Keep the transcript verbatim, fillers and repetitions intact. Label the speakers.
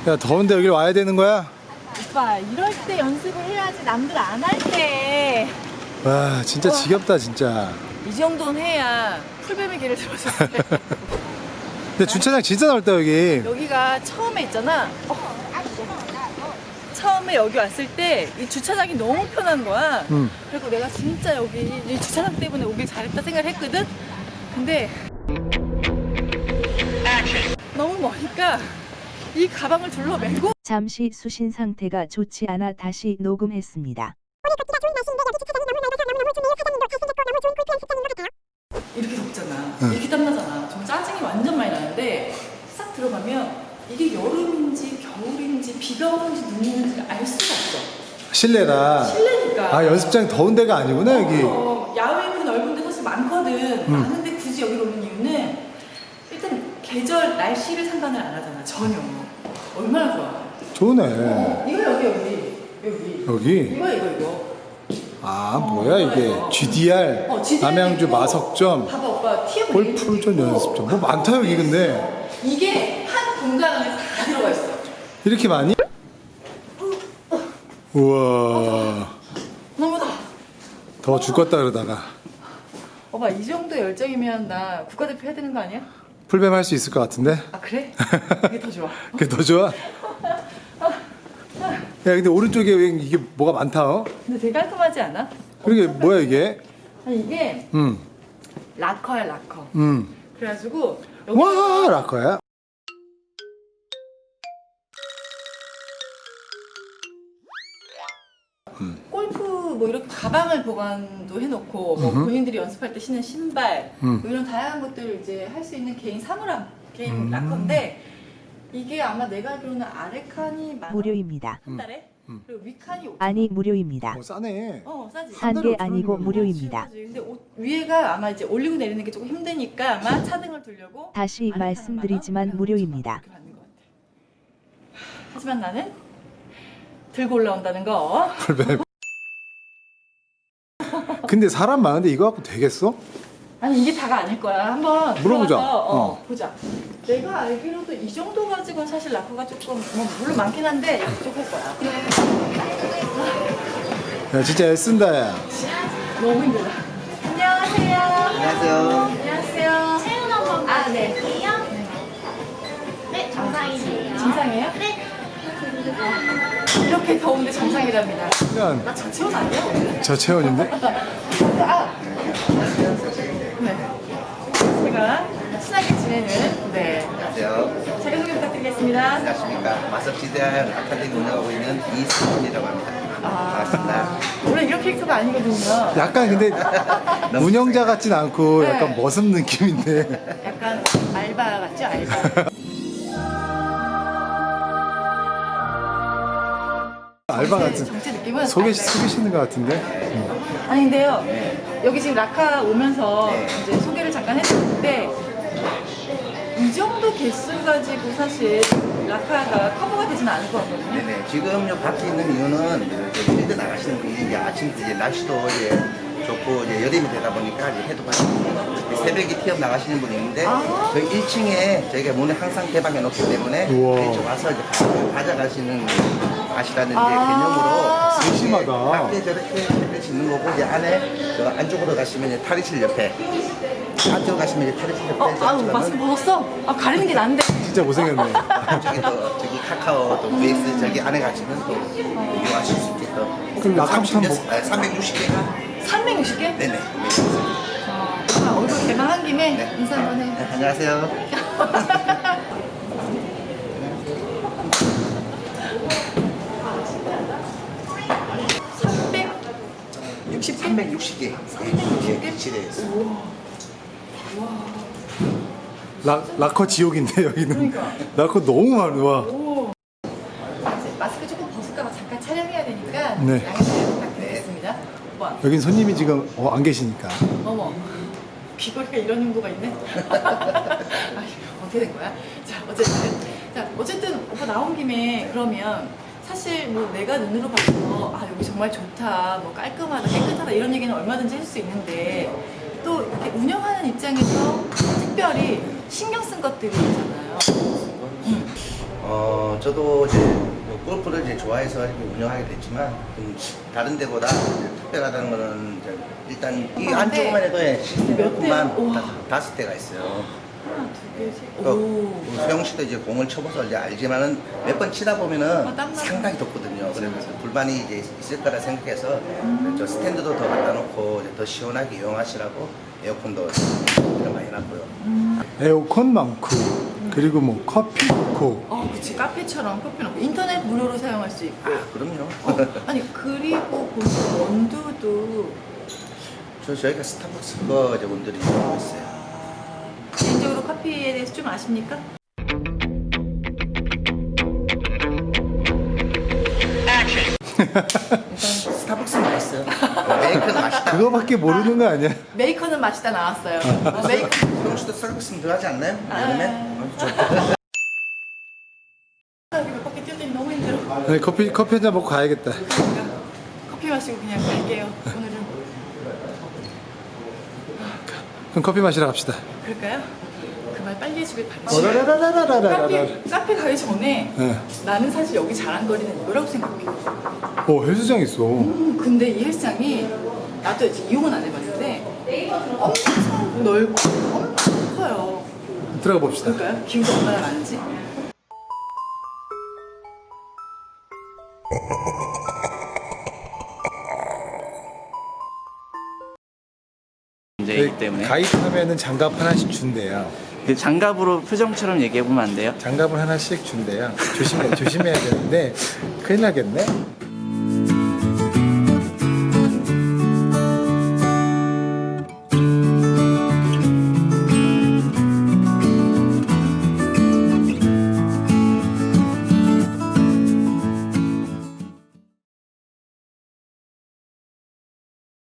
Speaker 1: 야, 더운데 여기 와야 되는 거야?
Speaker 2: 오빠, 이럴 때 연습을 해야지 남들 안 할 때.
Speaker 1: 와, 진짜 지겹다, 진짜.
Speaker 2: 이 정도는 해야 풀뱀의 길을 들어줬을 때.
Speaker 1: 근데 주차장 진짜 넓다, 여기.
Speaker 2: 여기가 처음에 있잖아. 어. 처음에 여기 왔을 때 이 주차장이 너무 편한 거야.
Speaker 1: 음.
Speaker 2: 그리고 내가 진짜 여기 이 주차장 때문에 오길 잘했다 생각을 했거든. 근데 너무 머니까 이 가방을 둘러매고
Speaker 3: 잠시 수신 상태가 좋지 않아 다시 녹음했습니다.
Speaker 2: 이렇게 덥잖아.
Speaker 1: 응.
Speaker 2: 이렇게 땀나잖아. 좀 짜증이 완전 많이 나는데 싹 들어가면 이게 여름인지 겨울인지 비가 오는지 눈이 오는지 알 수가 없어.
Speaker 1: 실내라.
Speaker 2: 실내니까.
Speaker 1: 아, 연습장 더운 데가 아니구나, 여기.
Speaker 2: 어, 야외는 넓은 데 사실 많거든. 많은데 굳이 여기로 오는 이유는 일단 계절, 날씨를 상관을 안 하잖아. 전혀. 얼마나 좋아.
Speaker 1: 좋네.
Speaker 2: 어, 이거 여기 여기 여기.
Speaker 1: 여기?
Speaker 2: 이거 이거 이거.
Speaker 1: 아, 뭐야, 이게. 지디알,
Speaker 2: 어, 지디알
Speaker 1: 남양주
Speaker 2: 있고,
Speaker 1: 마석점,
Speaker 2: 봐봐 오빠 티어
Speaker 1: 골프전 연습점. 뭐 많다, 여기 근데.
Speaker 2: 이게 한 공간 안에 다 들어가 있어.
Speaker 1: 이렇게 많이? 우와.
Speaker 2: 너무 더.
Speaker 1: 더 죽겠다, 그러다가.
Speaker 2: 오빠 이 정도 열정이면 나 국가대표 해야 되는 거 아니야?
Speaker 1: 풀뱀 할 수 있을 것 같은데?
Speaker 2: 아 그래? 이게 더 좋아.
Speaker 1: 그게 더 좋아? 야, 근데 오른쪽에 왜 이게 뭐가 많다, 어?
Speaker 2: 근데 되게 깔끔하지 않아?
Speaker 1: 그게 뭐야, 이게?
Speaker 2: 아니 이게
Speaker 1: 음,
Speaker 2: 락커야 락커.
Speaker 1: 음.
Speaker 2: 그래가지고 여기
Speaker 1: 와, 라커야?
Speaker 2: 골프 뭐 이렇게 가방을 보관도 해놓고 뭐 본인들이 연습할 때 신는 신발
Speaker 1: 음.
Speaker 2: 뭐 이런 다양한 것들을 이제 할 수 있는 개인 사물함, 개인
Speaker 1: 음.
Speaker 2: 락커인데 이게 아마 내가 알기로는 아래 칸이 만 원?
Speaker 3: 무료입니다.
Speaker 2: 한 달에?
Speaker 1: 음.
Speaker 2: 그리고 위 칸이 오천 원.
Speaker 3: 아니 무료입니다.
Speaker 1: 어, 싸네.
Speaker 2: 어 싸지.
Speaker 3: 한
Speaker 1: 달에
Speaker 3: 개
Speaker 1: 오천
Speaker 3: 아니고
Speaker 1: 원이면
Speaker 3: 무료입니다.
Speaker 2: 그렇지. 근데 옷, 위에가 아마 이제 올리고 내리는 게 조금 힘드니까 아마 차등을 두려고
Speaker 3: 다시
Speaker 2: 아래 칸은
Speaker 3: 말씀드리지만
Speaker 2: 만 원,
Speaker 3: 무료입니다.
Speaker 2: 이렇게 받는 것 같아. 하지만 나는 들고 올라온다는 거.
Speaker 1: 풀뱀. 근데 사람 많은데 이거 갖고 되겠어?
Speaker 2: 아니 이게 다가 아닐 거야. 한번
Speaker 1: 물어보자.
Speaker 2: 들어가서, 어,
Speaker 1: 어.
Speaker 2: 보자. 내가 알기로도 이 정도 가지고는 사실 라커가 조금 뭐 물론 많긴 한데 부족할 거야.
Speaker 1: 야, 진짜 애쓴다, 야.
Speaker 2: 너무 힘들다. 안녕하세요.
Speaker 4: 안녕하세요.
Speaker 2: 안녕하세요.
Speaker 5: 체온 한번
Speaker 2: 아 네.
Speaker 5: 볼게요. 네, 정상이세요.
Speaker 2: 정상이에요?
Speaker 5: 네.
Speaker 2: 이렇게 더운데 정상이랍니다.
Speaker 1: 그냥
Speaker 2: 나 저체온 아니야 오늘?
Speaker 1: 저 체온인데?
Speaker 2: 아. 네. 제가 친하게 지내는 네.
Speaker 4: 안녕하세요.
Speaker 2: 자기소개 부탁드리겠습니다.
Speaker 4: 안녕하십니까. 마석지대학 아카데미 운영하고 있는 이승훈이라고 합니다. 반갑습니다.
Speaker 2: 원래 이런 캐릭터가 아니거든요.
Speaker 1: 약간 근데 운영자 같진 않고
Speaker 2: 네.
Speaker 1: 약간 머슴 느낌인데.
Speaker 2: 약간 알바 같죠? 알바.
Speaker 1: 알바 같은.
Speaker 2: 정체 느낌은
Speaker 1: 속이,
Speaker 2: 알바.
Speaker 1: 속이시는 것 같은데?
Speaker 2: 아니 근데요. 여기 지금 라카 오면서
Speaker 4: 네.
Speaker 2: 이제 소개를 잠깐 했는데 이 정도 개수 가지고 사실 라카가 커버가 되지는 않을 것 같거든요.
Speaker 4: 네네. 지금 요 밖에 있는 이유는 이렇게 필드 나가시는 분이 이제 아침 이제 날씨도 이제 좋고 이제 여름이 되다 보니까 이제 해도 많고 새벽에 티업 나가시는 분이 있는데
Speaker 2: 아.
Speaker 4: 저희 일 층에 저희가 문을 항상 개방해 놓기 때문에
Speaker 1: 우와.
Speaker 4: 이쪽 와서 이제 가- 가져가시는 가시라는 이제
Speaker 2: 아.
Speaker 4: 개념으로
Speaker 1: 세심하다.
Speaker 4: 밖에 저렇게 햇빛 짓는 거고 이제 안에 저 안쪽으로 가시면 이제 탈의실 옆에 안쪽으로 가시면 이제 탈의실 옆에
Speaker 2: 어, 아우
Speaker 4: 저쪽으로는
Speaker 2: 마스크 벗었어? 아 가리는 게 나은데.
Speaker 1: 진짜 고생했네.
Speaker 4: 저기 또 저기 카카오 또 베이스 저기 안에 가시면 또 이용하실 수 있게 또
Speaker 1: 그럼 라카부터 한번
Speaker 4: 삼십육, 아, 삼백육십 개가
Speaker 2: 삼백육십 개?
Speaker 4: 네네.
Speaker 2: 아, 얼굴 개방한 김에
Speaker 4: 네.
Speaker 2: 인사 한번 해.
Speaker 4: 네, 안녕하세요.
Speaker 2: 삼백육십 개?
Speaker 4: 삼백육십 개.
Speaker 2: 삼백육십 개?
Speaker 4: 실내에서.
Speaker 1: 라, 라커 지옥인데, 여기는.
Speaker 2: 그러니까.
Speaker 1: 라커 너무 많아. 와.
Speaker 2: 오. 이제 마스크 조금 벗을까봐 잠깐 촬영해야 되니까
Speaker 1: 네.
Speaker 2: 양해 좀 부탁드리겠습니다. 오빠,
Speaker 1: 여긴 손님이 지금 어, 안 계시니까.
Speaker 2: 어머, 귀걸이가 이런 용도가 있네. 아이, 어떻게 된 거야? 자, 어쨌든, 자, 어쨌든 오빠 나온 김에 그러면 사실 뭐 내가 눈으로 봐서 아 여기 정말 좋다, 뭐 깔끔하다, 깨끗하다 이런 얘기는 얼마든지 할 수 있는데 또 이렇게 운영하는 입장에서 특별히 신경 쓴 것들이 있잖아요. 음.
Speaker 4: 어, 저도 이제 뭐 골프를 이제 좋아해서 이렇게 운영하게 됐지만 좀 다른 데보다 이제 특별하다는 거는 이제 일단 이
Speaker 2: 아,
Speaker 4: 안쪽만
Speaker 2: 네.
Speaker 4: 해도 예, 시스템
Speaker 2: 몇
Speaker 4: 골프만
Speaker 2: 대? 우와.
Speaker 4: 다- 다섯 대가 있어요.
Speaker 2: 하나, 두 개, 세 개.
Speaker 4: 그
Speaker 2: 오.
Speaker 4: 수영 씨도 이제 공을 쳐봐서 이제 알지만은 몇 번 치다 보면은
Speaker 2: 어, 땀나네.
Speaker 4: 상당히 덥거든요. 그래서 불만이 이제 있을 거라 생각해서
Speaker 2: 음.
Speaker 4: 저 스탠드도 더 갖다 놓고 이제 더 시원하게 이용하시라고 에어컨도 좀 많이 놨고요.
Speaker 1: 에어컨 많고 그리고 뭐 커피 넣고
Speaker 2: 어, 그치. 카페처럼 커피 넣고 인터넷 무료로 사용할 수 있고.
Speaker 4: 아, 그럼요.
Speaker 2: 어, 아니 그리고 보면 원두도
Speaker 4: 저 저희가 스타벅스 거 이제 원들이 이용하고 있어요.
Speaker 2: 개인적으로 커피에 대해서 좀 아십니까?
Speaker 4: 스타벅스 맛있어요. 메이커는 맛있다.
Speaker 1: 그거밖에 모르는 거 아니야?
Speaker 2: 메이커는 맛있다 나왔어요. 어, 메이커.
Speaker 4: 수영 씨도 스타벅스 들어가지 않나요?
Speaker 2: 아.
Speaker 4: 여름에? 어, 저
Speaker 2: 여기 몇 바퀴 뛰었더니 너무 힘들어.
Speaker 1: 아니, 커피 커피 한 잔 먹고 가야겠다.
Speaker 2: 그러니까 커피 마시고 그냥 갈게요. 오늘은
Speaker 1: 그럼 커피 마시러 갑시다.
Speaker 2: 그럴까요? 그 말 빨리 해주길 바라요.
Speaker 1: 어라라라라라라라.
Speaker 2: 카페, 카페 가기 전에
Speaker 1: 네.
Speaker 2: 나는 사실 여기 자랑거리는 이거라고 생각해.
Speaker 1: 오 헬스장 있어.
Speaker 2: 음, 근데 이 헬스장이 나도 이제 이용은 안 해봤는데 엄청 넓고 엄청 커요.
Speaker 1: 들어가 봅시다.
Speaker 2: 그럴까요? 기구가 얼마나 많은지.
Speaker 6: 문제이기 때문에
Speaker 1: 가입하면은 장갑 하나씩 준대요.
Speaker 6: 그 장갑으로 표정처럼 얘기해 보면 안 돼요?
Speaker 1: 장갑을 하나씩 준대요. 조심해 조심해야 되는데 큰일 나겠네.